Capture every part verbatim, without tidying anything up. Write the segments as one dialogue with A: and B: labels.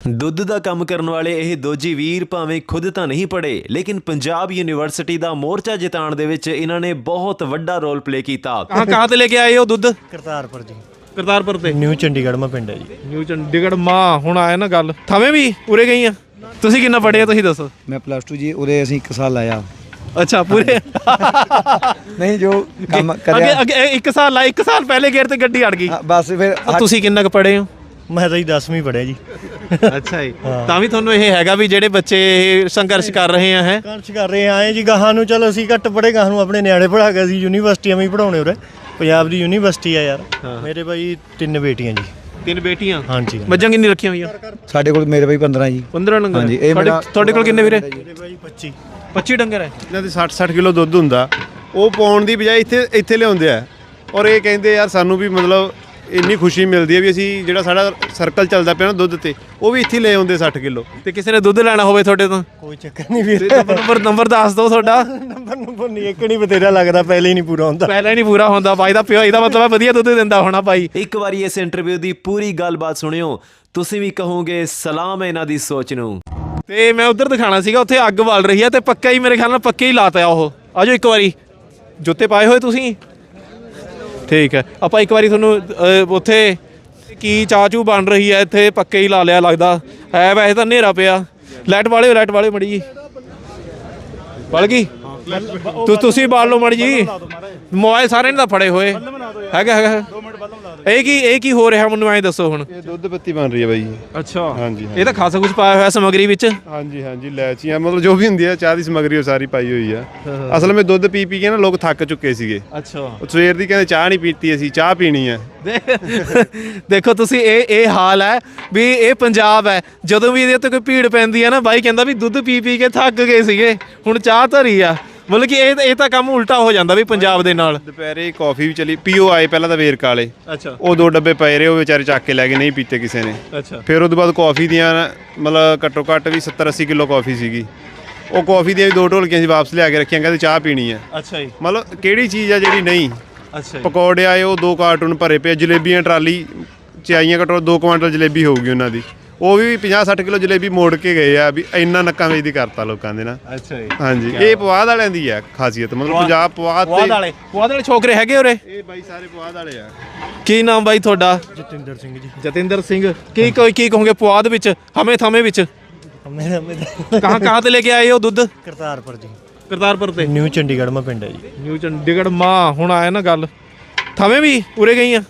A: ਦੁੱਧ ਦਾ ਕੰਮ ਕਰਨ ਵਾਲੇ ਇਹ ਦੋਜੀ ਵੀਰ ਭਾਵੇਂ ਖੁਦ ਤਾਂ ਨਹੀਂ ਪੜ੍ਹੇ ਲੇਕਿਨ ਪੰਜਾਬ ਯੂਨੀਵਰਸਿਟੀ ਦਾ ਮੋਰਚਾ ਜਿਤਾਉਣ ਦੇ ਵਿੱਚ ਇਹਨਾਂ ਨੇ ਬਹੁਤ ਵੱਡਾ ਰੋਲ ਪਲੇ ਕੀਤਾ। ਕਹਾਂ ਕਹਾਂ ਤੇ ਲੈ ਕੇ ਆਏ ਹੋ ਦੁੱਧ?
B: ਕਰਤਾਰਪੁਰ ਜੀ।
A: ਕਰਤਾਰਪੁਰ ਤੇ
B: ਨਿਊ ਚੰਡੀਗੜ੍ਹ ਮਾ ਪਿੰਡ ਹੈ ਜੀ।
A: ਨਿਊ ਚੰਡੀਗੜ੍ਹ ਮਾਂ ਹੁਣ ਆਇਆ ਨਾ ਗੱਲ ਥਵੇਂ ਵੀ ਉਰੇ ਗਈ ਆ। ਤੁਸੀਂ ਕਿੰਨਾ ਪੜ੍ਹੇ ਆ ਤੁਸੀਂ ਦੱਸੋ?
B: ਮੈਂ ਪਲੱਸ ਟੂ ਜੀ ਉਰੇ ਅਸੀਂ ਇੱਕ ਸਾਲ ਲਾਇਆ।
A: ਅੱਛਾ ਪੂਰੇ
B: ਨਹੀਂ ਜੋ ਕੰਮ
A: ਅੱਗੇ
B: ਕਰਿਆ
A: ਅੱਗੇ ਇੱਕ ਸਾਲ ਲਾ ਇੱਕ ਸਾਲ ਪਹਿਲੇ ਗੇਰ ਤੇ ਗੱਡੀ ਅੜ ਗਈ।
B: ਹਾਂ, ਬਸ ਫਿਰ
A: ਤੁਸੀਂ ਕਿੰਨਾ ਕੁ ਪੜ੍ਹੇ ਹੋ?
B: ਮੈਂ ਤਾਂ ਜੀ ਦਸਵੀਂ ਪੜ੍ਹਿਆ ਜੀ।
A: ਅੱਛਾ ਜੀ ਤਾਂ ਵੀ ਤੁਹਾਨੂੰ ਇਹ ਹੈਗਾ ਵੀ ਜਿਹੜੇ ਬੱਚੇ ਇਹ ਸੰਘਰਸ਼ ਕਰ ਰਹੇ ਆ ਹੈ
B: ਸੰਘਰਸ਼ ਕਰ ਰਹੇ ਆਏ ਜੀ ਗਾਹਾਂ ਨੂੰ। ਚਲੋ ਅਸੀਂ ਘੱਟ ਪੜ੍ਹੇ ਗਾਹਾਂ ਨੂੰ ਆਪਣੇ ਨਿਆਣੇ ਪੜ੍ਹਾ ਕੇ ਅਸੀਂ ਯੂਨੀਵਰਸਿਟੀਆਂ ਵੀ ਪੜ੍ਹਾਉਣੇ ਉਰੇ। ਪੰਜਾਬ ਦੀ ਯੂਨੀਵਰਸਿਟੀ ਆ ਯਾਰ। ਮੇਰੇ ਭਾਈ ਤਿੰਨ ਬੇਟੀਆਂ ਜੀ।
A: ਤਿੰਨ ਬੇਟੀਆਂ?
B: ਹਾਂਜੀ।
A: ਮੱਝਾਂ ਕਿੰਨੀ ਰੱਖੀਆਂ ਹੋਈਆਂ?
B: ਸਾਡੇ ਕੋਲ ਮੇਰੇ ਭਾਈ ਪੰਦਰਾਂ ਜੀ।
A: ਪੰਦਰਾਂ ਡੰਗਰ?
B: ਹਾਂਜੀ। ਇਹ ਮੇਰਾ
A: ਤੁਹਾਡੇ ਕੋਲ ਕਿੰਨੇ ਵੀਰੇ?
B: ਮੇਰੇ ਭਾਈ ਪੱਚੀ
A: ਪੱਚੀ ਡੰਗਰ ਹੈ।
C: ਇਹਨਾਂ ਦੇ ਸੱਠ ਸੱਠ ਕਿਲੋ ਦੁੱਧ ਹੁੰਦਾ, ਉਹ ਪਾਉਣ ਦੀ ਬਜਾਏ ਇੱਥੇ ਇੱਥੇ ਲਿਆਉਂਦੇ ਆ। ਔਰ ਇਹ ਕਹਿੰਦੇ ਯਾਰ ਸਾਨੂੰ ਵੀ ਮਤਲਬ ਇੰਨੀ ਖੁਸ਼ੀ ਮਿਲਦੀ ਹੈ ਵੀ ਅਸੀਂ ਜਿਹੜਾ ਸਾਡਾ ਸਰਕਲ ਚੱਲਦਾ ਪਿਆ ਨਾ ਦੁੱਧ ਤੇ ਉਹ ਵੀ ਇੱਥੇ ਲੈ ਆਉਂਦੇ ਸੱਠ ਕਿਲੋ।
A: ਤੇ ਕਿਸੇ ਨੇ ਦੁੱਧ ਲੈਣਾ ਹੋਵੇ ਤੁਹਾਡੇ ਤੋਂ?
B: ਕੋਈ ਚੱਕਰ ਨਹੀਂ ਵੀਰੇ।
A: ਨੰਬਰ ਨੰਬਰ ਦੱਸ ਦਿਓ ਤੁਹਾਡਾ।
B: ਨੰਬਰ ਨੰਬਰ ਨਹੀਂ ਇੱਕ ਨਹੀਂ ਬਤੇਰਾ ਲੱਗਦਾ, ਪਹਿਲੇ ਹੀ ਨਹੀਂ ਪੂਰਾ ਹੁੰਦਾ।
A: ਪਹਿਲਾਂ ਹੀ ਨਹੀਂ ਪੂਰਾ ਹੁੰਦਾ ਬਾਈ ਦਾ ਪਿਓ। ਇਹਦਾ ਮਤਲਬ ਵਧੀਆ ਦੁੱਧ ਦਿੰਦਾ ਹੋਣਾ ਬਾਈ। ਇੱਕ ਵਾਰੀ ਇਸ ਇੰਟਰਵਿਊ ਦੀ ਪੂਰੀ ਗੱਲਬਾਤ ਸੁਣਿਓ, ਤੁਸੀਂ ਵੀ ਕਹੋਗੇ ਸਲਾਮ ਇਹਨਾਂ ਦੀ ਸੋਚ ਨੂੰ। ਤੇ ਮੈਂ ਉਧਰ ਦਿਖਾਣਾ ਸੀਗਾ, ਉੱਥੇ ਅੱਗ ਬਲ ਰਹੀ ਹੈ ਤੇ ਪੱਕਾ ਹੀ ਮੇਰੇ ਖਿਆਲ ਨਾਲ ਪੱਕੇ ਹੀ ਲਾਤਾ ਉਹ। ਆਜੋ ਇੱਕ ਵਾਰੀ। ਜੁੱਤੇ ਪਾਏ ਹੋਏ ਤੁਸੀਂ? ਠੀਕ ਹੈ ਆਪਾਂ ਇੱਕ ਵਾਰੀ ਤੁਹਾਨੂੰ ਉੱਥੇ ਕੀ ਚਾਹ ਚੂ ਬਣ ਰਹੀ ਹੈ ਇੱਥੇ ਪੱਕੇ ਹੀ ਲਾ ਲਿਆ ਲੱਗਦਾ ਹੈ। ਵੈਸੇ ਤਾਂ ਹਨੇਰਾ ਪਿਆ। ਲਾਈਟ ਵਾਲੇ ਲਾਈਟ ਵਾਲੇ ਮੜੀ ਜੀ ਬਲ ਗਈ। ਤੁਸੀਂ ਬਾਲ ਲਓ ਮੜੀ ਜੀ। ਮੋਬਾਈਲ ਸਾਰੇ ਨੇ ਤਾਂ ਫੜੇ ਹੋਏ ਹੈਗਾ ਹੈਗਾ। ਇਹ ਕੀ ਇਹ ਕੀ ਹੋ ਰਿਹਾ ਮੈਨੂੰ ਐਂ ਦੱਸੋ ਹੁਣ?
C: ਇਹ ਦੁੱਧ ਪੱਤੀ ਬਣ ਰਹੀ ਹੈ ਬਾਈ।
A: ਅੱਛਾ
C: ਹਾਂਜੀ।
A: ਇਹ ਤਾਂ ਖਾਸਾ ਕੁਝ ਪਾਇਆ ਹੋਇਆ ਸਮੱਗਰੀ ਵਿੱਚ।
C: ਹਾਂਜੀ ਹਾਂਜੀ ਇਲਾਇਚੀਆਂ ਮਤਲਬ ਜੋ ਵੀ ਹੁੰਦੀ ਹੈ ਚਾਹ ਦੀ ਸਮੱਗਰੀ ਉਹ ਸਾਰੀ ਪਾਈ ਹੋਈ ਆ। ਅਸਲ ਵਿੱਚ ਦੁੱਧ ਪੀ ਪੀ ਕੇ ਨਾ ਲੋਕ ਥੱਕ ਚੁੱਕੇ ਸੀਗੇ।
A: ਅੱਛਾ
C: ਸਵੇਰ ਦੀ ਕਹਿੰਦੇ ਚਾਹ ਨਹੀਂ ਪੀਤੀ, ਅਸੀਂ ਚਾਹ ਪੀਣੀ ਹੈ।
A: ਦੇਖੋ ਤੁਸੀਂ ਇਹ ਇਹ ਹਾਲ ਹੈ ਵੀ ਇਹ ਪੰਜਾਬ ਹੈ। ਜਦੋਂ ਵੀ ਇਹਦੇ ਉੱਤੇ ਕੋਈ ਭੀੜ ਪੈਂਦੀ ਹੈ ਨਾ ਬਾਈ ਕਹਿੰਦਾ ਵੀ ਦੁੱਧ ਪੀ ਪੀ ਕੇ ਥੱਕ ਗਏ ਸੀਗੇ ਹੁਣ ਚਾਹ ਧਰੀ ਆ। ਮਤਲਬ ਕਿ ਇਹ ਇਹ ਤਾਂ ਕੰਮ ਉਲਟਾ ਹੋ ਜਾਂਦਾ ਵੀ ਪੰਜਾਬ ਦੇ ਨਾਲ।
C: ਦੁਪਹਿਰੇ ਕਾਫੀ ਵੀ ਚਲੀ ਪੀਓ ਆਏ ਪਹਿਲਾਂ ਤਾਂ ਵੇਰਕ ਵਾਲੇ।
A: ਅੱਛਾ
C: ਉਹ ਦੋ ਡੱਬੇ ਪਏ ਰਹੇ ਉਹ ਵਿਚਾਰੇ ਚੱਕ ਕੇ ਲੈ ਗਏ, ਨਹੀਂ ਪੀਤੇ ਕਿਸੇ ਨੇ।
A: ਅੱਛਾ
C: ਫਿਰ ਉਹਦੇ ਬਾਅਦ ਕਾਫੀ ਦੀਆਂ ਮਤਲਬ ਘੱਟੋ ਘੱਟ ਵੀ ਸੱਤਰ ਅੱਸੀ ਕਿਲੋ ਕਾਫੀ ਸੀਗੀ। ਉਹ ਕਾਫੀ ਦੀਆਂ ਵੀ ਦੋ ਢੋਲਕੀਆਂ ਸੀ ਵਾਪਸ ਲਿਆ ਕੇ ਰੱਖੀਆਂ, ਕਹਿੰਦੇ ਚਾਹ ਪੀਣੀ ਹੈ।
A: ਅੱਛਾ ਜੀ।
C: ਮਤਲਬ ਕਿਹੜੀ ਚੀਜ਼ ਆ ਜਿਹੜੀ ਨਹੀਂ।
A: ਅੱਛਾ
C: ਪਕੌੜੇ ਆਏ ਉਹ ਦੋ ਕਾਰਟੂਨ ਭਰੇ ਪਏ। ਜਲੇਬੀਆਂ ਟਰਾਲੀ ਚ ਆਈਆਂ, ਘੱਟੋ ਦੋ ਕੁਆਂਟਲ ਜਲੇਬੀ ਹੋਊਗੀ ਉਹਨਾਂ ਦੀ। ਉਹ ਵੀ ਪੰਜਾਹ ਸੱਠ ਕਿਲੋ ਜਲੇਬੀ ਮੋੜ ਕੇ ਗਏ ਆ ਵੀ ਇੰਨਾ ਨੱਕਾਂ ਵੇਚਦੀ ਕਰਤਾ ਲੋਕਾਂ ਦੇ ਨਾ।
A: ਅੱਛਾ ਜੀ।
C: ਹਾਂਜੀ ਇਹ ਪੁਆਧ ਵਾਲਿਆਂ ਦੀ ਆ ਖਾਸੀਅਤ, ਮਤਲਬ ਪੰਜਾਬ ਪੁਆਧ
A: ਪੁਆਧ ਵਾਲੇ ਪੁਆਧ ਵਾਲੇ ਛੋਕਰੇ ਹੈਗੇ ਉਰੇ?
C: ਇਹ ਬਾਈ ਸਾਰੇ ਪੁਆਧ ਵਾਲੇ ਆ।
A: ਕੀ ਨਾਮ ਬਾਈ ਤੁਹਾਡਾ?
B: ਜਤਿੰਦਰ ਸਿੰਘ ਜੀ।
A: ਜਤਿੰਦਰ ਸਿੰਘ। ਕੀ ਕੋਈ ਕੀ ਕਹੋਗੇ ਪੁਆਧ ਵਿੱਚ ਹਮੇ ਥਮੇ ਵਿੱਚ?
B: ਮੇਰਾ ਮੇਰਾ
A: ਕਹਾਂ ਕਹਾਂ ਤੇ ਲੈ ਕੇ ਆਏ ਹੋ ਦੁੱਧ?
B: ਕਰਤਾਰਪੁਰ ਜੀ।
A: ਕਰਤਾਰਪੁਰ ਤੇ?
B: ਨਿਊ ਚੰਡੀਗੜ੍ਹ ਮਾ ਪਿੰਡ ਹੈ ਜੀ।
A: ਨਿਊ ਚੰਡੀਗੜ੍ਹ ਮਾਂ ਹੁਣ ਆਇਆ ਨਾ ਗੱਲ ਥਵੇਂ ਵੀ ਉਰੇ ਗਈ ਆ?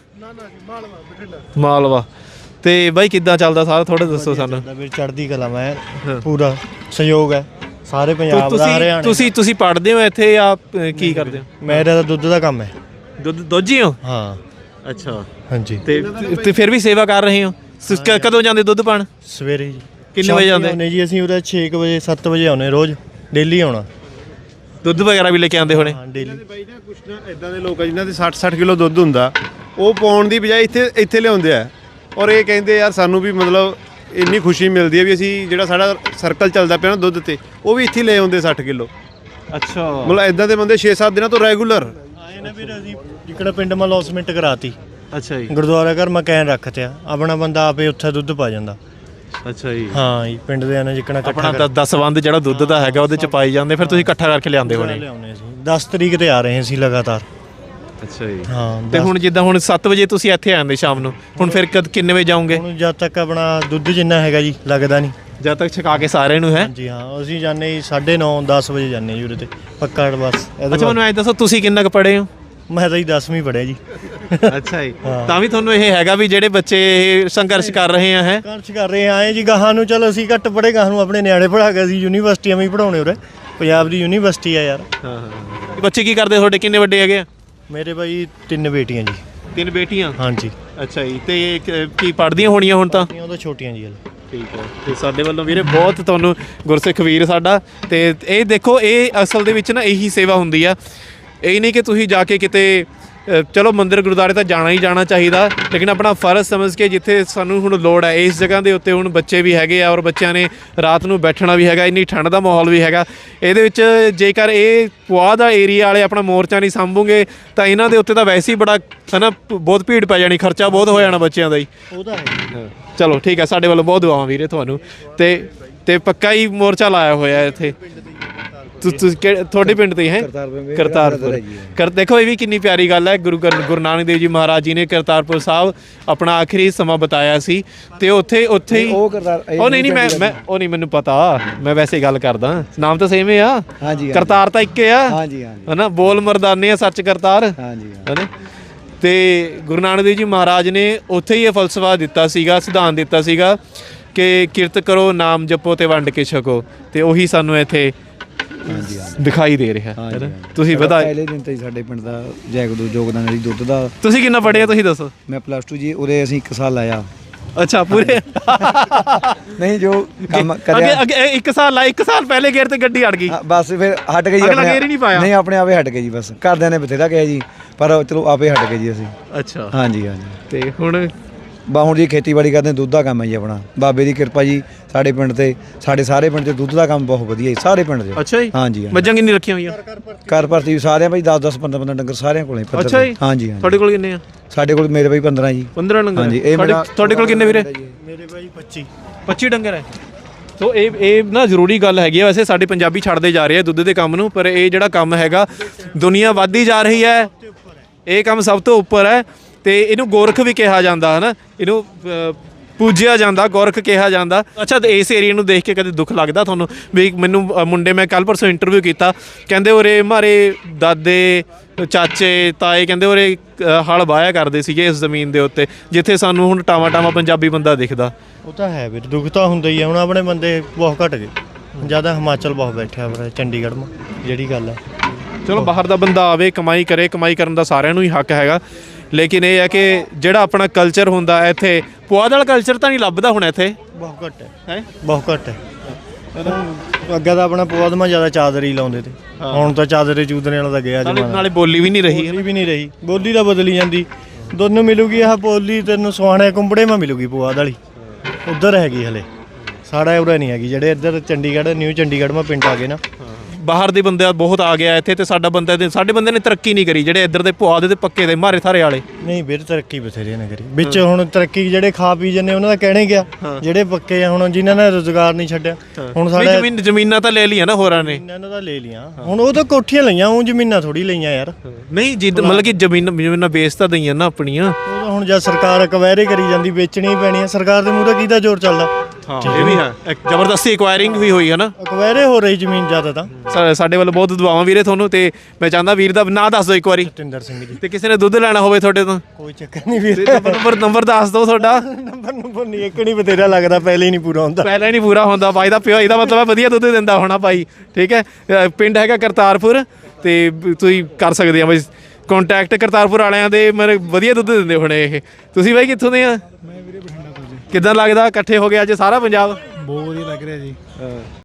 A: ਮਾਲਵਾ। ਤੇ ਬਾਈ ਕਿੱਦਾਂ ਚੱਲਦਾ ਸਾਰਾ ਥੋੜਾ ਦੱਸੋ ਸਾਨੂੰ।
B: ਵੀਰ ਚੜ੍ਹਦੀ ਕਲਾ ਮੈਂ ਪੂਰਾ ਸਹਿਯੋਗ ਹੈ ਸਾਰੇ ਪੰਜਾਬ ਦਾ ਹਰਿਆਣਾ।
A: ਤੁਸੀਂ ਤੁਸੀਂ ਪੜ੍ਹਦੇ ਹੋ ਇੱਥੇ ਜਾਂ ਕੀ ਕਰਦੇ ਹੋ?
B: ਮੇਰਾ ਤਾਂ ਦੁੱਧ ਦਾ ਕੰਮ ਹੈ।
A: ਦੁੱਧ ਦੋਜੀ ਹੋ?
B: ਹਾਂ।
A: ਅੱਛਾ
B: ਹਾਂਜੀ।
A: ਤੇ ਤੇ ਫਿਰ ਵੀ ਸੇਵਾ ਕਰ ਰਹੇ ਹੋ? ਕਦੋਂ ਜਾਂਦੇ ਦੁੱਧ ਪਾਣ?
B: ਸਵੇਰੇ ਜੀ।
A: ਕਿੰਨੇ ਵਜੇ ਜਾਂਦੇ?
B: ਆਉਂਦੇ ਜੀ ਅਸੀਂ ਉਰੇ ਛੇ ਕੁ ਵਜੇ ਸੱਤ ਵਜੇ ਆਉਂਦੇ ਰੋਜ਼ ਡੇਲੀ ਆਉਣਾ।
A: ਦੁੱਧ ਵਗੈਰਾ ਵੀ ਲੈ ਕੇ ਆਉਂਦੇ ਹੋਣੇ?
B: ਹਾਂ ਡੇਲੀ।
C: ਬਾਈ ਨਾ ਕੁਛ ਨਾ ਇਦਾਂ ਦੇ ਲੋਕ ਆ ਜਿਨ੍ਹਾਂ ਦੇ ਸੱਠ ਸੱਠ ਕਿਲੋ ਦੁੱਧ ਹੁੰਦਾ, ਉਹ ਪਾਉਣ ਦੀ ਬਜਾਏ ਇੱਥੇ ਇੱਥੇ ਲਿਆਉਂਦੇ ਆ। ਔਰ ਇਹ ਕਹਿੰਦੇ ਯਾਰ ਸਾਨੂੰ ਵੀ ਮਤਲਬ ਇੰਨੀ ਖੁਸ਼ੀ ਮਿਲਦੀ ਹੈ ਵੀ ਅਸੀਂ ਜਿਹੜਾ ਸਾਡਾ ਸਰਕਲ ਚੱਲਦਾ ਪਿਆ ਨਾ ਦੁੱਧ ਤੇ ਉਹ ਵੀ ਇੱਥੇ ਲੈ ਆਉਂਦੇ ਸੱਠ ਕਿਲੋ।
A: ਅੱਛਾ
C: ਮਤਲਬ ਇਦਾਂ ਦੇ ਬੰਦੇ ਛੇ ਸੱਤ ਦਿਨਾਂ ਤੋਂ ਰੈਗੂਲਰ
B: ਆਏ ਨੇ ਵੀਰ। ਅਸੀਂ ਜਿਕੜਾ ਪਿੰਡ ਮਾ ਲੌਸਮੈਂਟ ਕਰਾਤੀ।
A: ਅੱਛਾ ਜੀ।
B: ਗੁਰਦੁਆਰਾ ਘਰ ਮਕੈਨ ਰੱਖਤਿਆ ਆਪਣਾ ਬੰਦਾ ਆਪੇ ਉੱਥੇ ਦੁੱਧ ਪਾ ਜਾਂਦਾ।
A: ਅੱਛਾ ਜੀ।
B: ਹਾਂ ਜੀ ਪਿੰਡ ਦੇ ਨੇ ਜਿਕਣਾ ਇਕੱਠਾ
A: ਆਪਣਾ ਦਸਵੰਧ ਜਿਹੜਾ ਦੁੱਧ ਦਾ ਹੈਗਾ ਉਹਦੇ ਚ ਪਾਈ ਜਾਂਦੇ ਫਿਰ ਤੁਸੀਂ ਇਕੱਠਾ ਕਰਕੇ ਲਿਆਉਂਦੇ ਹੋਣੇ?
B: ਲਿਆਉਂਦੇ ਸੀ ਦਸ ਤਰੀਕ ਤੇ ਆ ਰਹੇ ਸੀ ਲਗਾਤਾਰ।
A: ਅੱਛਾ ਜੀ।
B: ਹਾਂ
A: ਤੇ ਹੁਣ ਜਿੱਦਾਂ ਹੁਣ ਸੱਤ ਵਜੇ ਤੁਸੀਂ ਇੱਥੇ ਆਉਂਦੇ ਸ਼ਾਮ ਨੂੰ, ਹੁਣ ਫਿਰ ਕਦ ਕਿੰਨੇ ਵਜੇ ਜਾਓਗੇ?
B: ਹੁਣ ਜਦ ਤੱਕ ਆਪਣਾ ਦੁੱਧ ਜਿੰਨਾ ਹੈਗਾ ਜੀ ਲੱਗਦਾ ਨਹੀਂ।
A: ਜਦ ਤੱਕ ਛਕਾ ਕੇ ਸਾਰਿਆਂ ਨੂੰ ਹੈ?
B: ਹਾਂਜੀ ਹਾਂ ਅਸੀਂ ਜਾਂਦੇ ਜੀ ਸਾਢੇ ਨੌ ਦਸ ਵਜੇ ਜਾਂਦੇ ਜੀ ਉਰੇ ਤੇ ਪੱਕਾ ਬਸ।
A: ਅੱਛਾ ਮੈਨੂੰ ਐਂ ਦੱਸੋ ਤੁਸੀਂ ਕਿੰਨਾ ਕੁ ਪੜ੍ਹੇ ਹੋ?
B: ਮੈਂ ਤਾਂ ਜੀ ਦਸਵੀਂ ਪੜ੍ਹਿਆ ਜੀ।
A: ਅੱਛਾ ਜੀ ਤਾਂ ਵੀ ਤੁਹਾਨੂੰ ਇਹ ਹੈਗਾ ਵੀ ਜਿਹੜੇ ਬੱਚੇ ਇਹ ਸੰਘਰਸ਼ ਕਰ ਰਹੇ ਆ ਹੈ
B: ਸੰਘਰਸ਼ ਕਰ ਰਹੇ ਆਏ ਜੀ ਗਾਹਾਂ ਨੂੰ। ਚਲੋ ਅਸੀਂ ਘੱਟ ਪੜ੍ਹੇ ਗਾਹਾਂ ਨੂੰ ਆਪਣੇ ਨਿਆਣੇ ਪੜ੍ਹਾ ਕੇ ਅਸੀਂ ਯੂਨੀਵਰਸਿਟੀਆਂ ਵੀ ਪੜ੍ਹਾਉਣੇ ਉਰੇ। ਪੰਜਾਬ ਦੀ ਯੂਨੀਵਰਸਿਟੀ ਆ ਯਾਰ।
A: ਹਾਂ ਹਾਂ। ਬੱਚੇ ਕੀ ਕਰਦੇ ਤੁਹਾਡੇ? ਕਿੰਨੇ ਵੱਡੇ ਹੈਗੇ ਆ?
B: ਮੇਰੇ ਭਾਈ ਤਿੰਨ ਬੇਟੀਆਂ ਜੀ।
A: ਤਿੰਨ ਬੇਟੀਆਂ?
B: ਹਾਂਜੀ।
A: ਅੱਛਾ ਜੀ। ਤੇ ਕੀ ਪੜ੍ਹਦੀਆਂ ਹੋਣੀਆਂ ਹੁਣ ਤਾਂ?
B: ਉਹ ਤਾਂ ਛੋਟੀਆਂ ਜੀ।
A: ਠੀਕ ਹੈ। ਤੇ ਸਾਡੇ ਵੱਲੋਂ ਵੀਰੇ ਬਹੁਤ ਤੁਹਾਨੂੰ ਗੁਰਸਿੱਖ ਵੀਰ ਸਾਡਾ। ਤੇ ਇਹ ਦੇਖੋ ਇਹ ਅਸਲ ਦੇ ਵਿੱਚ ਨਾ ਇਹੀ ਸੇਵਾ ਹੁੰਦੀ ਆ। ਇਹ ਨਹੀਂ ਕਿ ਤੁਸੀਂ ਜਾ ਕੇ ਕਿਤੇ ਅ, ਚਲੋ ਮੰਦਿਰ ਗੁਰਦੁਆਰੇ ਤਾਂ ਜਾਣਾ ਹੀ ਜਾਣਾ ਚਾਹੀਦਾ, ਲੇਕਿਨ ਆਪਣਾ ਫਰਜ਼ ਸਮਝ ਕੇ ਜਿੱਥੇ ਸਾਨੂੰ ਹੁਣ ਲੋੜ ਹੈ ਇਸ ਜਗ੍ਹਾ ਦੇ ਉੱਤੇ, ਹੁਣ ਬੱਚੇ ਵੀ ਹੈਗੇ ਆ ਔਰ ਬੱਚਿਆਂ ਨੇ ਰਾਤ ਨੂੰ ਬੈਠਣਾ ਵੀ ਹੈਗਾ, ਇੰਨੀ ਠੰਡ ਦਾ ਮਾਹੌਲ ਵੀ ਹੈਗਾ, ਇਹਦੇ ਵਿੱਚ ਜੇਕਰ ਇਹ ਪੁਆਧ ਦਾ ਏਰੀਆ ਵਾਲੇ ਆਪਣਾ ਮੋਰਚਾ ਨਹੀਂ ਸਾਂਭੂਗੇ ਤਾਂ ਇਹਨਾਂ ਦੇ ਉੱਤੇ ਤਾਂ ਵੈਸੇ ਹੀ ਬੜਾ ਹੈ ਨਾ ਬਹੁਤ ਭੀੜ ਪੈ ਜਾਣੀ, ਖਰਚਾ ਬਹੁਤ ਹੋ ਜਾਣਾ ਬੱਚਿਆਂ ਦਾ ਹੀ।
B: ਉਹਦਾ ਹੈ।
A: ਚਲੋ ਠੀਕ ਹੈ, ਸਾਡੇ ਵੱਲੋਂ ਬਹੁਤ ਦੁਆਵਾਂ ਵੀਰੇ ਤੁਹਾਨੂੰ। ਤੇ ਤੇ ਪੱਕਾ ਹੀ ਮੋਰਚਾ ਲਾਇਆ ਹੋਇਆ ਇੱਥੇ ਤੁਸੀਂ ਤੁਹਾਡੇ ਪਿੰਡ ਤੋਂ ਹੀ ਹੈ? ਕਰਤਾਰਪੁਰ। ਕਰ ਦੇਖੋ ਇਹ ਵੀ ਕਿੰਨੀ ਪਿਆਰੀ ਗੱਲ ਹੈ, ਗੁਰੂ ਗਰ- ਗੁਰੂ ਨਾਨਕ ਦੇਵ ਜੀ ਮਹਾਰਾਜ ਜੀ ਨੇ ਕਰਤਾਰਪੁਰ ਸਾਹਿਬ ਆਪਣਾ ਆਖਰੀ ਸਮਾਂ ਬਿਤਾਇਆ ਸੀ ਤੇ ਉੱਥੇ ਉੱਥੇ ਹੀ
D: ਉਹ ਕਰਤਾਰ
A: ਉਹ ਨਹੀਂ ਨਹੀਂ ਮੈਂ ਮੈਂ ਉਹ ਨਹੀਂ ਮੈਨੂੰ ਪਤਾ, ਮੈਂ ਵੈਸੇ ਗੱਲ ਕਰਦਾ, ਨਾਮ ਤਾਂ ਸੇਮ ਹੀ ਆ,
D: ਹਾਂਜੀ
A: ਕਰਤਾਰ ਤਾਂ ਇੱਕ ਹੀ ਆ,
D: ਹਾਂਜੀ ਹਾਂਜੀ
A: ਹਨਾ, ਬੋਲ ਮਰਦਾਨੇ ਆ ਸੱਚ ਕਰਤਾਰ,
D: ਹਾਂਜੀ
A: ਹਨਾ। ਤੇ ਗੁਰੂ ਨਾਨਕ ਦੇਵ ਜੀ ਮਹਾਰਾਜ ਨੇ ਉੱਥੇ ਹੀ ਇਹ ਫਲਸਫਾ ਦਿੱਤਾ ਸੀਗਾ, ਸਿਧਾਂਤ ਦਿੱਤਾ ਸੀਗਾ ਕਿ ਕਿਰਤ ਕਰੋ, ਨਾਮ ਜਪੋ ਤੇ ਵੰਡ ਕੇ ਛਕੋ, ਤੇ ਉਹੀ ਸਾਨੂੰ ਇੱਥੇ
D: ਹਾਂਜੀ
A: ਦਿਖਾਈ ਦੇ ਰਿਹਾ ਹੈ ਨਾ। ਤੁਸੀਂ ਵਧਾ
D: ਪਹਿਲੇ ਦਿਨ ਤੋਂ ਹੀ ਸਾਡੇ ਪਿੰਡ ਦਾ ਜੈਗਦੂ ਯੋਗਦਾਨ ਹੈ ਜੀ ਦੁੱਧ ਦਾ।
A: ਤੁਸੀਂ ਕਿੰਨਾ ਪੜ੍ਹੇ ਆ ਤੁਸੀਂ ਦੱਸੋ?
D: ਮੈਂ ਪਲੱਸ ਟੂ ਜੀ, ਉਹਦੇ ਅਸੀਂ ਇੱਕ ਸਾਲ ਲਾਇਆ।
A: ਅੱਛਾ ਪੂਰੇ
D: ਨਹੀਂ ਜੋ ਕੰਮ
A: ਅੱਗੇ
D: ਕਰਿਆ
A: ਅੱਗੇ ਇੱਕ ਸਾਲ ਲਾ ਇੱਕ ਸਾਲ ਪਹਿਲੇ ਗੇਰ ਤੇ ਗੱਡੀ ਅੜ ਗਈ।
D: ਹਾਂ, ਬਸ ਫਿਰ ਹਟ ਗਏ ਜੀ,
A: ਅਗਲਾ ਗੇਰ ਹੀ ਨਹੀਂ ਪਾਇਆ?
D: ਨਹੀਂ ਆਪਣੇ ਆਪੇ ਹਟ ਗਏ ਜੀ, ਬਸ ਘਰਦਿਆਂ ਨੇ ਬਥੇਰਾ ਕਿਹਾ ਜੀ, ਪਰ ਚਲੋ ਆਪੇ ਹਟ ਗਏ ਜੀ ਅਸੀਂ।
A: ਅੱਛਾ
D: ਹਾਂਜੀ ਹਾਂਜੀ।
A: ਤੇ ਹੁਣ
D: ਬਾ ਹੁਣ ਜੀ ਖੇਤੀਬਾੜੀ ਕਰਦੇ, ਦੁੱਧ ਦਾ ਕੰਮ ਹੈ ਜੀ ਆਪਣਾ, ਬਾਬੇ ਦੀ ਕਿਰਪਾ ਜੀ ਸਾਡੇ ਪਿੰਡ ਤੇ, ਸਾਡੇ ਸਾਰੇ ਪਿੰਡ 'ਚ ਦੁੱਧ ਦਾ ਕੰਮ ਬਹੁਤ ਵਧੀਆ ਜੀ, ਸਾਰੇ ਪਿੰਡ 'ਚ।
A: ਅੱਛਾ ਜੀ,
D: ਹਾਂਜੀ ਹਾਂਜੀ।
A: ਮੱਝਾਂ ਕਿੰਨੀ ਰੱਖੀਆਂ ਹੋਈਆਂ?
D: ਘਰ ਭਰਤੀ ਸਾਰਿਆਂ ਭਾਈ ਦਸ ਦਸ ਪੰਦਰਾਂ ਪੰਦਰਾਂ ਡੰਗਰ ਸਾਰਿਆਂ ਕੋਲੇ ਪੱਧਰ
A: ਅੱਛਾ ਜੀ।
D: ਤੇ। ਹਾਂਜੀ ਹਾਂਜੀ।
A: ਤੁਹਾਡੇ ਕੋਲ ਕਿੰਨੇ ਆ?
D: ਸਾਡੇ ਕੋਲ ਮੇਰੇ ਭਾਈ ਪੰਦਰਾਂ ਜੀ।
A: ਪੰਦਰਾਂ ਡੰਗਰ
D: ਹਾਂਜੀ,
A: ਹੈ?
D: ਇਹ
A: ਤੁਹਾਡੇ
D: ਮੇਰਾ-
A: ਤੁਹਾਡੇ ਕੋਲ ਕਿੰਨੇ ਵੀਰੇ?
B: ਮੇਰੇ ਭਾਈ ਪੱਚੀ
A: ਪੱਚੀ ਡੰਗਰ ਹੈ। ਸੋ ਇਹ ਇਹ ਨਾ ਜ਼ਰੂਰੀ ਗੱਲ ਹੈਗੀ ਆ, ਵੈਸੇ ਸਾਡੇ ਪੰਜਾਬੀ ਛੱਡਦੇ ਜਾ ਰਹੇ ਆ ਦੁੱਧ ਦੇ ਕੰਮ ਨੂੰ, ਪਰ ਇਹ ਜਿਹੜਾ ਕੰਮ ਹੈਗਾ ਦੁਨੀਆ ਵੱਧਦੀ ਜਾ ਰਹੀ ਹੈ, ਇਹ ਕੰਮ ਸਭ ਤੋਂ ਉੱਪਰ ਹੈ ਤੇ ਇਹਨੂੰ ਗੋਰਖ ਵੀ ਕਿਹਾ ਜਾਂਦਾ ਹੈ ਨਾ, ਇਹਨੂੰ ਅ, ਪੂਜਿਆ ਜਾਂਦਾ, ਗੋਰਖ ਕਿਹਾ ਜਾਂਦਾ। ਅੱਛਾ, ਤੇ ਇਸ ਏਰੀਆ ਨੂੰ ਦੇਖ ਕੇ ਕਦੇ ਦੁੱਖ ਲੱਗਦਾ ਤੁਹਾਨੂੰ ਵੀ? ਮੈਨੂੰ ਅ, ਮੁੰਡੇ ਮੈਂ ਕੱਲ ਪਰਸੋਂ ਇੰਟਰਵਿਊ ਕੀਤਾ, ਕਹਿੰਦੇ ਉਰੇ ਮਾਰੇ ਦਾਦੇ ਚਾਚੇ ਤਾਏ ਕਹਿੰਦੇ ਉਰੇ ਅ, ਹਲ ਵਾਹਿਆ ਕਰਦੇ ਸੀਗੇ ਇਸ ਜ਼ਮੀਨ ਦੇ ਉੱਤੇ, ਜਿੱਥੇ ਸਾਨੂੰ ਹੁਣ ਟਾਵਾ ਟਾਵਾ ਪੰਜਾਬੀ ਬੰਦਾ ਦਿਖਦਾ।
B: ਉਹ ਤਾਂ ਹੈ ਵੀਰ, ਦੁੱਖ ਤਾਂ ਹੁੰਦਾ ਹੀ ਹੈ। ਹੁਣ ਆਪਣੇ ਬੰਦੇ ਬਹੁਤ ਘਟ ਗਏ, ਜ਼ਿਆਦਾ ਹਿਮਾਚਲ ਬਹੁਤ ਬੈਠਿਆ ਵੀਰੇ, ਚੰਡੀਗੜ੍ਹ ਮਾ ਜਿਹੜੀ ਗੱਲ ਹੈ।
A: ਚਲੋ ਬਾਹਰ ਦਾ ਬੰਦਾ ਆਵੇ, ਕਮਾਈ ਕਰੇ, ਕਮਾਈ ਕਰਨ ਦਾ ਸਾਰਿਆਂ ਨੂੰ ਹੀ ਹੱਕ ਹੈਗਾ, ਲੇਕਿਨ ਇਹ ਹੈ ਕਿ ਜਿਹੜਾ ਆਪਣਾ ਕਲਚਰ ਹੁੰਦਾ ਇੱਥੇ, ਪੁਆਧ ਵਾਲਾ ਕਲਚਰ ਤਾਂ ਨਹੀਂ ਲੱਭਦਾ ਹੁਣ ਇੱਥੇ,
B: ਬਹੁਤ ਘੱਟ ਹੈ
A: ਹੈ
B: ਬਹੁਤ ਘੱਟ ਹੈ। ਅੱਗੇ ਤਾਂ ਆਪਣਾ ਪੁਆਧ ਮਾ ਜ਼ਿਆਦਾ ਚਾਦਰੀ ਲਾਉਂਦੇ ਤੇ, ਹੁਣ ਤਾਂ ਚਾਦਰੇ ਚੂਦਰੇ ਵਾਲਾ ਤਾਂ ਗਿਆ
A: ਨਾਲੇ
B: ਜਮਾਨਾ।
A: ਨਾਲੇ ਬੋਲੀ ਵੀ ਨਹੀਂ ਰਹੀ।
B: ਬੋਲੀ ਵੀ ਨਹੀਂ ਰਹੀ, ਬੋਲੀ ਤਾਂ ਬਦਲੀ ਜਾਂਦੀ। ਦੋਨੋਂ ਮਿਲੂਗੀ, ਆਹ ਬੋਲੀ ਤੈਨੂੰ ਸੁਹਾਣੇ ਕੁੰਬੜੇ ਮਾ ਮਿਲੂਗੀ ਪੁਆਧ ਵਾਲੀ, ਉੱਧਰ ਹੈਗੀ ਹਲੇ, ਸਾਡਾ ਉਰੇ ਨਹੀਂ ਹੈਗੀ। ਜਿਹੜੇ ਇੱਧਰ ਚੰਡੀਗੜ੍ਹ ਨਿਊ ਚੰਡੀਗੜ੍ਹ ਮਾ ਪਿੰਡ ਆ ਗਏ ਨਾ,
A: ਬਾਹਰ ਦੇ ਬੰਦੇ ਬਹੁਤ ਆ ਗਿਆ ਇੱਥੇ, ਤੇ ਸਾਡਾ ਬੰਦੇ ਦੇ ਸਾਡੇ ਬੰਦੇ ਨੇ ਤਰੱਕੀ ਨਹੀਂ ਕਰੀ, ਜਿਹੜੇ ਇੱਧਰ ਦੇ ਪੁਆਧ ਦੇ ਪੱਕੇ ਦੇ ਮਾਰੇ ਥਾਰੇ ਵਾਲੇ।
B: ਨਹੀਂ ਵੀਰ ਤਰੱਕੀ ਬਥੇਰੇ ਨੇ ਕਰੀ ਵਿੱਚ। ਹੁਣ ਤਰੱਕੀ ਜਿਹੜੇ ਖਾ ਪੀ ਜੰਨੇ ਉਹਨਾਂ ਦਾ ਕਹਿਣੇ ਗਿਆ, ਜਿਹੜੇ ਪੱਕੇ ਆ ਹੁਣ ਜਿਨ੍ਹਾਂ ਨੇ ਰੋਜ਼ਗਾਰ ਨਹੀਂ ਛੱਡਿਆ, ਹੁਣ
A: ਨਹੀਂ,
B: ਸਾਡੇ
A: ਜ਼ਮੀਨ ਜ਼ਮੀਨਾਂ ਤਾਂ ਲੈ ਲਈਆਂ ਨਾ ਹੋਰਾਂ ਨੇ।
B: ਇਹਨਾਂ ਨੇ ਤਾਂ ਲੈ ਲੀਆਂ, ਹੁਣ ਉਹ ਤਾਂ ਕੋਠੀਆਂ ਲਈਆਂ, ਉਹ ਜ਼ਮੀਨਾਂ ਥੋੜੀ ਲਈਆਂ ਯਾਰ।
A: ਨਹੀਂ ਜਿੱਦ ਮਤਲਬ ਕਿ ਜ਼ਮੀਨ ਜ਼ਮੀਨਾਂ ਵੇਚ ਤਾਂ ਦਈਆਂ ਨਾ ਆਪਣੀਆਂ।
B: ਉਹ ਤਾਂ ਹੁਣ ਜਦ ਸਰਕਾਰ ਅਕਵਾਇਰੇ ਕਰੀ ਜਾਂਦੀ, ਵੇਚਣੀ ਪੈਣੀ ਆ। ਸਰਕਾਰ ਦੇ ਮੂਹਰੇ ਕਿਹਦਾ ਜ਼ੋਰ ਚੱਲਦਾ?
A: ਹਾਂ ਇਹ ਵੀ ਹੈ, ਇੱਕ ਜ਼ਬਰਦਸਤੀ ਐਕਵਾਇਰਿੰਗ ਵੀ ਹੋਈ ਹੈ ਨਾ।
B: ਅਕਵਾਇਰੇ ਹੋ ਰਹੀ ਜ਼ਮੀਨ ਜ਼ਿਆਦਾ ਤਾਂ।
A: ਸਾ- ਸਾਡੇ ਵੱਲੋਂ ਬਹੁਤ ਦੁਆਵਾਂ ਵੀਰੇ ਤੁਹਾਨੂੰ, ਤੇ ਮੈਂ ਚਾਹੁੰਦਾ ਵੀਰ ਦਾ ਨਾਂ ਦੱਸ ਦਿਓ ਇੱਕ ਵਾਰੀ,
B: ਸਤਿੰਦਰ ਸਿੰਘ ਜੀ।
A: ਤੇ ਕਿਸੇ ਨੇ ਦੁੱਧ ਲੈਣਾ ਹੋਵੇ ਤੁਹਾਡੇ ਤੋਂ,
B: ਕੋਈ ਚੱਕਰ ਨਹੀਂ ਵੀਰ,
A: ਨੰਬਰ ਨੰਬਰ ਦੱਸ ਦਿਓ ਤੁਹਾਡਾ।
B: ਨੰਬਰ ਨੰਬਰ ਨਹੀਂ, ਇੱਕ ਨਹੀਂ ਬਥੇਰਾ ਲੱਗਦਾ, ਪਹਿਲੇ ਹੀ ਨਹੀਂ ਪੂਰਾ ਹੁੰਦਾ।
A: ਪਹਿਲਾਂ ਹੀ ਨਹੀਂ ਪੂਰਾ ਹੁੰਦਾ ਬਾਈ ਦਾ ਪਿਓ, ਇਹਦਾ ਮਤਲਬ ਹੈ ਵਧੀਆ ਦੁੱਧ ਦਿੰਦਾ ਹੋਣਾ ਭਾਈ। ਠੀਕ ਹੈ, ਅ, ਪਿੰਡ ਹੈਗਾ ਕਰਤਾਰਪੁਰ, ਤੇ ਬ- ਤੁਸੀਂ ਕਰ ਸਕਦੇ ਆ ਬਈ ਕੰਟੈਕਟ ਕਰਤਾਰਪੁਰ ਵਾਲਿਆਂ ਦੇ, ਮੇਰੇ ਵਧੀਆ ਦੁੱਧ ਦਿੰਦੇ ਹੋਣੇ ਇਹ। ਤੁਸੀਂ ਬਾਈ ਕਿੱਥੋਂ ਦੇ ਆ?
E: ਮੈਂ ਵੀਰੇ ਬਠਿੰਡਾ ਤੋਂ ਜੀ।
A: ਕਿੱਦਾਂ ਲੱਗਦਾ ਇਕੱਠੇ ਹੋ ਗਿਆ ਅੱਜ ਸਾਰਾ ਪੰਜਾਬ?
E: ਬਹੁਤ ਵਧੀਆ ਲੱਗ ਰਿਹਾ ਜੀ।